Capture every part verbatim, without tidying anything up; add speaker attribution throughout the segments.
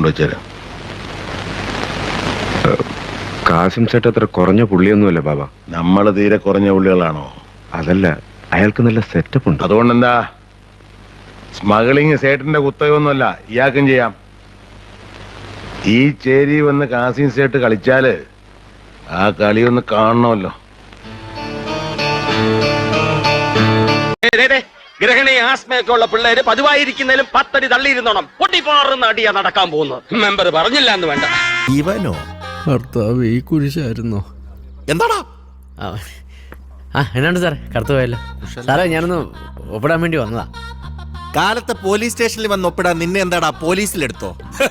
Speaker 1: കൊണ്ടുവച്ചേരാം.
Speaker 2: Kasim set അത്ര കുറഞ്ഞ പുള്ളിയൊന്നുമല്ല ബാബ.
Speaker 1: നമ്മള് തീരെ കുറഞ്ഞ പുള്ളികളാണോ?
Speaker 2: അതല്ല, അയാൾക്ക് നല്ല സെറ്റപ്പ് ഉണ്ട്.
Speaker 1: അതുകൊണ്ടെന്താ? സ്മഗ്ലിങ് സേട്ടിന്റെ കുത്തകയൊന്നുമല്ല, ഇയാൾക്കും ചെയ്യാം. ഈ ചേരി വന്ന് കാസിം സേട്ട് കളിച്ചാല് ആ കളിയൊന്ന് കാണണമല്ലോ.
Speaker 3: ഗ്രഹണി ആസ്മയൊക്കെ ഉള്ള പിള്ളേര് പതിവായിരിക്കുന്നതിലും പത്തടി തള്ളിയിരുന്നോണം. പൊട്ടിപ്പാറുന്ന അടിയാ നടക്കാൻ പോകുന്നു. മെമ്പർ പറഞ്ഞില്ല എന്ന് വേണ്ട.
Speaker 4: ഇവനോ
Speaker 5: ഭർത്താവ് ഈ കുരിശായിരുന്നോ?
Speaker 4: എന്താടാ?
Speaker 6: ആ എന്നാണ് സാറേ, കറുത്തു പോയല്ലോ സാറേ. ഞാനൊന്ന് ഒപ്പിടാൻ വേണ്ടി വന്നതാ.
Speaker 4: കാലത്തെ പോലീസ് സ്റ്റേഷനിൽ വന്ന് ഒപ്പിടാൻ നിന്നെ എന്താടാ പോലീസിലെടുത്തോ?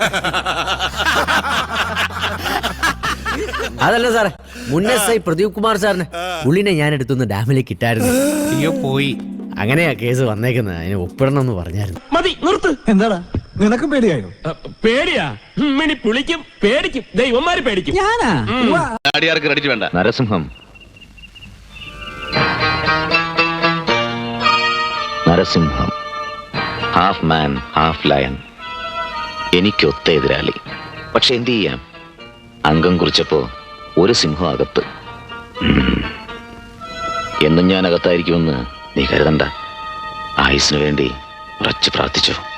Speaker 6: അതല്ല സാറേ, മുൻ എസ് ഐ പ്രദീപ് കുമാർ സാറിന് പുള്ളിനെ ഞാൻ എടുത്തുനിന്ന് ഡാമിലേക്ക് ഇട്ടായിരുന്നു.
Speaker 4: അയ്യോ പോയി.
Speaker 6: അങ്ങനെയാ കേസ് വന്നേക്കുന്നത്. അതിന് ഒപ്പിടണം എന്ന് പറഞ്ഞായിരുന്നു.
Speaker 3: മതി, നിർത്ത്.
Speaker 7: എന്താടാ നിനക്കും പേടിയായോ?
Speaker 3: പേടിയാ? മിനി പുളിക്കും, പേടിക്കും, ദൈവന്മാര് പേടിക്കും.
Speaker 7: ഞാനാ
Speaker 1: ക്രെഡിറ്റ് വേണ്ട.
Speaker 8: Narasimham Narasimham half man half lion. എനിക്കൊത്ത എതിരാളി. പക്ഷെ എന്ത് ചെയ്യാം, അംഗം കുറിച്ചപ്പോ ഒരു സിംഹം അകത്ത്. എന്നും ഞാൻ അകത്തായിരിക്കുമെന്ന് നീ കരുതണ്ട. ആയുസിനു വേണ്ടി ഉറച്ചു പ്രാർത്ഥിച്ചു.